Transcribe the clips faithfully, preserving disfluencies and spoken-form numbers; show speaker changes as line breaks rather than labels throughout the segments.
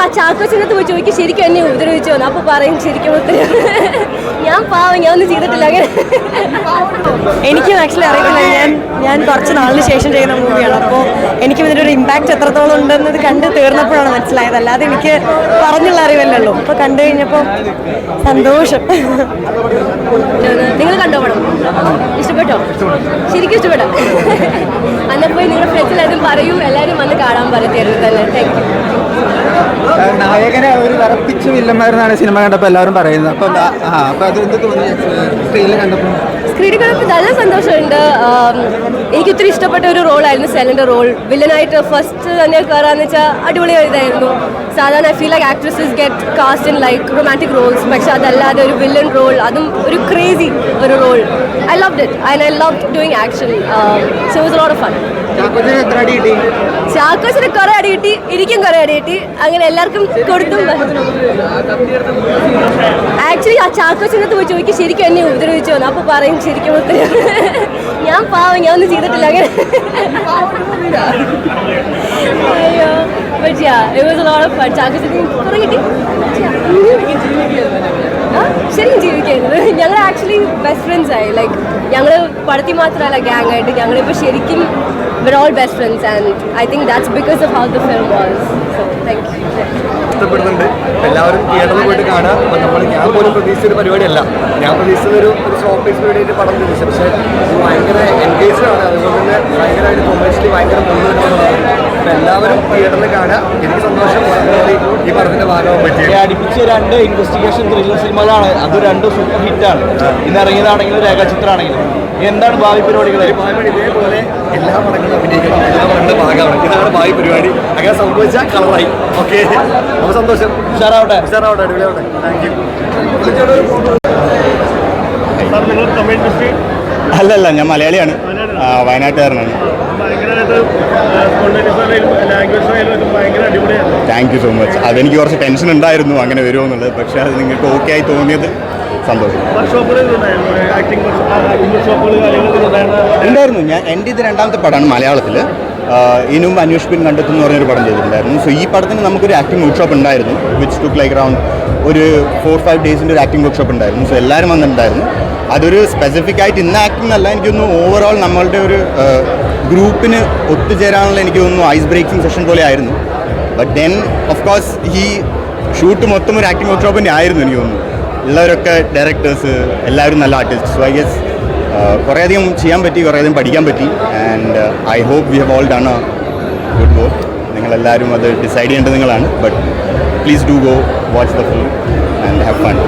ചാക്കോച്ചിനകത്ത് പോയി ചോദിക്കും ശരിക്കും എന്നെ ഉപദ്രവിച്ചു വന്നു. അപ്പോൾ പറയും ശരിക്കും ഉത്തരം ഞാൻ പാവം ഞാൻ ഒന്നും ചെയ്തിട്ടില്ല അങ്ങനെ.
എനിക്കും ആക്ച്വലി അറിയത്തില്ല. ഞാൻ ഞാൻ കുറച്ച് നാളിന് ശേഷം ചെയ്യുന്ന മൂവിയാണ്. അപ്പോൾ എനിക്കും ഇതിൻ്റെ ഒരു ഇമ്പാക്റ്റ് എത്രത്തോളം ഉണ്ടെന്നത് കണ്ട് തീർന്നപ്പോഴാണ് മനസ്സിലായത്. അല്ലാതെ എനിക്ക് പറഞ്ഞുള്ള അറിവല്ലല്ലോ. അപ്പോൾ കണ്ടു കഴിഞ്ഞപ്പോൾ സന്തോഷം.
നിങ്ങൾ കണ്ടോ പടം? ഇഷ്ടപ്പെട്ടോ? ശരിക്കും ഇഷ്ടപ്പെട്ടോ? അന്നപ്പോൾ നിങ്ങളുടെ ഫ്രണ്ട്സിലാരും പറയൂ, എല്ലാവരും വന്ന് കാണാൻ പറയത്തിരുന്നു തന്നെ. Thank you.
നായകനെ ഒരു വിറപ്പിച്ച വില്ലന്മാരെന്നാണ് സിനിമ കണ്ടപ്പോൾ എല്ലാവരും പറയുന്നത്. അപ്പം ആ അപ്പം അത് എന്ത് തോന്നി സ്ക്രീനിൽ കണ്ടപ്പോൾ?
സ്ക്രീനിൽ കണ്ടപ്പോൾ നല്ല സന്തോഷമുണ്ട്. എനിക്ക് ഒത്തിരി ഇഷ്ടപ്പെട്ട ഒരു റോളായിരുന്നു സെലിൻ്റെ റോൾ. വില്ലനായിട്ട് ഫസ്റ്റ് തന്നെ കയറാന്ന് വെച്ചാൽ അടിപൊളി ഇതായിരുന്നു. സാധാരണ I feel like actresses get cast in like romantic roles. പക്ഷെ അതല്ലാതെ ഒരു വില്ലൻ റോൾ, അതും ഒരു ക്രേസി ഒരു role. I loved it and I love doing action. So it was a lot of fun. ചാക്കോച്ചിന് കുറെ അടി കിട്ടി, എനിക്കും കുറെ അടി കിട്ടി. അങ്ങനെ എല്ലാവർക്കും കൊടുത്തും. ആക്ച്വലി ആ ചാക്കോച്ചിനകത്ത് പോയി ചോദിക്കും ശരിക്കും എന്നെ ഉപദ്രവിച്ചു വന്നു. അപ്പോൾ പറയും ശരിക്കും ഉത്തരം ഞാൻ പാവം ഞാൻ ഒന്നും ചെയ്തിട്ടില്ല അങ്ങനെ. അയ്യോ but yeah it was a lot of fun. ചാക്കോച്ചിന് കുറെ കിട്ടി. ശരിക്കും ജീവിക്കുന്നത്. ഞങ്ങൾ ആക്ച്വലി ബെസ്റ്റ് ഫ്രണ്ട്സ് ആയി. ലൈക്ക് ഞങ്ങൾ പടത്തിൽ മാത്രമല്ല ഗ്യാങ് ആയിട്ട് ഞങ്ങളിപ്പോൾ ശരിക്കും we're all best friends and I think that's because of how the film was. So thank you.
ഇഷ്ടപ്പെടുന്നുണ്ട്. എല്ലാവരും തിയേറ്ററിൽ പോയിട്ട് കാണാം. അപ്പം നമ്മൾ ഞാൻ പോലും പ്രതീക്ഷിച്ചൊരു പരിപാടിയല്ല. ഞാൻ പ്രതീക്ഷിച്ചൊരു ഒരു ഷോപ്പ് പരിപാടിയായിട്ട് പടം പ്രതീക്ഷിച്ചു. പക്ഷേ ഭയങ്കര എൻഗേജ്ഡ് ആണ്. അതുപോലെ തന്നെ ഭയങ്കരമായിട്ട് കൊമേഴ്ഷ്യലി ഭയങ്കര മുന്നോട്ടുള്ളതാണ്. അപ്പം എല്ലാവരും തിയേറ്ററിൽ കാണാം. എനിക്ക് സന്തോഷം ഈ പടത്തിൻ്റെ ഭാഗമാകാൻ പറ്റി.
അടുപ്പിച്ച രണ്ട് ഇൻവെസ്റ്റിഗേഷൻ ത്രില്ലർ സിനിമകളാണ്. അത് രണ്ടും സൂപ്പർ ഹിറ്റാണ്. ഇന്ന് ഇറങ്ങിയതാണെങ്കിലും രേഖാചിത്രമാണെങ്കിലും. എന്താണ് ഭാവി പരിപാടികൾ?
ഭാവി ഇതേപോലെ എല്ലാ പടങ്ങളും അഭിനയിക്കണം. എല്ലാ പടങ്ങളുടെ ഭാഗമാണ്. ഇതാണ് ഭാവി പരിപാടി. അങ്ങനെ സംഭവിച്ചാൽ കളറായി. ഓക്കെ, അപ്പോൾ സന്തോഷം.
ഉഷാറാവട്ടെ.
ഉഷാറാവട്ടെ, അടിപൊളിയാവട്ടെ. Thank you.
അല്ലല്ല, ഞാൻ മലയാളിയാണ്, വയനാട്ടുകാരനാണ്. Thank you so much. അതെനിക്ക് കുറച്ച് ടെൻഷൻ ഉണ്ടായിരുന്നു അങ്ങനെ വരുമോ എന്നുള്ളത്. പക്ഷേ അത് നിങ്ങൾക്ക് ഓക്കെ ആയി തോന്നിയത് സന്തോഷം. ഉണ്ടായിരുന്നു. ഞാൻ എൻ്റെ ഇത് രണ്ടാമത്തെ പടമാണ് മലയാളത്തിൽ. ഇനും അന്വേഷിപ്പിൻ കണ്ടെത്തും എന്ന് പറഞ്ഞൊരു പടം ചെയ്തിട്ടുണ്ടായിരുന്നു. സോ ഈ പടത്തിന് നമുക്കൊരു ആക്ടിംഗ് വർക്ക്ഷോപ്പ് ഉണ്ടായിരുന്നു. വിച്ച് ടുക്ക് ലൈക്ക് അറൗണ്ട് ഒരു ഫോർ ഫൈവ് ഡേയ്സിൻ്റെ ഒരു ആക്ടിംഗ് വർക്ക്ഷോപ്പ് ഉണ്ടായിരുന്നു. സോ എല്ലാവരും വന്നിട്ടുണ്ടായിരുന്നു. അതൊരു സ്പെസിഫിക് ആയിട്ട് ഇന്ന ആക്ടിംഗ് അല്ല, എനിക്കൊന്ന് ഓവറോൾ നമ്മളുടെ ഒരു ഗ്രൂപ്പിന് ഒത്തുചേരാനുള്ള എനിക്ക് തോന്നുന്നു ഐസ് ബ്രേക്കിംഗ് സെഷൻ പോലെ ആയിരുന്നു. ബട്ട് ദെൻ ഓഫ് കോഴ്സ് ഈ ഷൂട്ട് മൊത്തം ഒരു ആക്ടിംഗ് വർക്ക്ഷോപ്പിൻ്റെ ആയിരുന്നു എനിക്ക് തോന്നുന്നു. ഉള്ളവരൊക്കെ ഡയറക്ടേഴ്സ് എല്ലാവരും നല്ല ആർട്ടിസ്റ്റ്. സോ ഐ ഗെസ് കുറേയധികം ചെയ്യാൻ പറ്റി, കുറേയധികം പഠിക്കാൻ പറ്റി. And I hope we have all done a good work. നിങ്ങളെല്ലാവരും അത് ഡിസൈഡ് ചെയ്യേണ്ടത് നിങ്ങളാണ്. But please do go watch the film and have fun.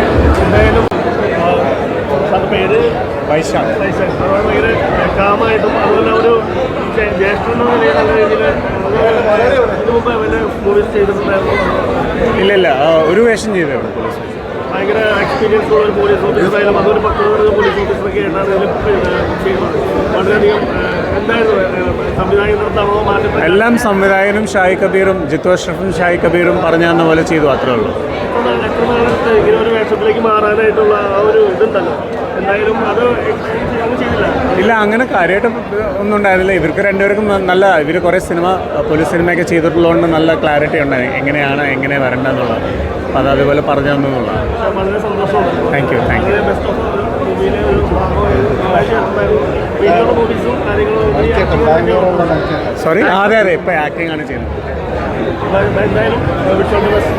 ഇല്ല ഇല്ല ഒരു വേഷം ചെയ്തായിരുന്നു. ഭയങ്കര എക്സ്പീരിയൻസ് ഉള്ള ഒരു പോലീസ് ഓഫീസറായാലും അതൊരു പത്ത് പോലീസ് ഓഫീസറൊക്കെ ആയിട്ടാണ് ഇതിൽ ചെയ്യുന്നത്. വളരെയധികം എന്തായിരുന്നു സംവിധായകർത്താണോ മാറ്റം? എല്ലാം സംവിധായകനും ഷായി കബീറും ജിത്തു അഷ്റഫും ഷായി കബീറും പറഞ്ഞു തന്ന പോലെ ചെയ്തു, അത്രേ ഉള്ളൂ. എത്ര നാളത്തെ ഇങ്ങനെ ഒരു വേഷത്തിലേക്ക് മാറാനായിട്ടുള്ള ആ ഒരു ഇതുണ്ടല്ലോ, എന്തായാലും അത് ചെയ്തില്ല. ഇല്ല, അങ്ങനെ കാര്യമായിട്ട് ഒന്നും ഉണ്ടായിരുന്നില്ല. ഇവർക്ക് രണ്ടുപേർക്കും നല്ല, ഇവർ കുറേ സിനിമ പോലീസ് സിനിമയൊക്കെ ചെയ്തിട്ടുള്ളതുകൊണ്ട് നല്ല ക്ലാരിറ്റി ഉണ്ടായി എങ്ങനെയാണ് എങ്ങനെ വരേണ്ടതെന്നുള്ളത്. അപ്പം അത് അതുപോലെ പറഞ്ഞു തന്നുള്ളതാണ്. വളരെ സന്തോഷമാണ്. Thank you thank you. Sorry, അതെ അതെ, ഇപ്പം ആക്ടിംഗ് ആണ് ചെയ്യുന്നത്. എന്തായാലും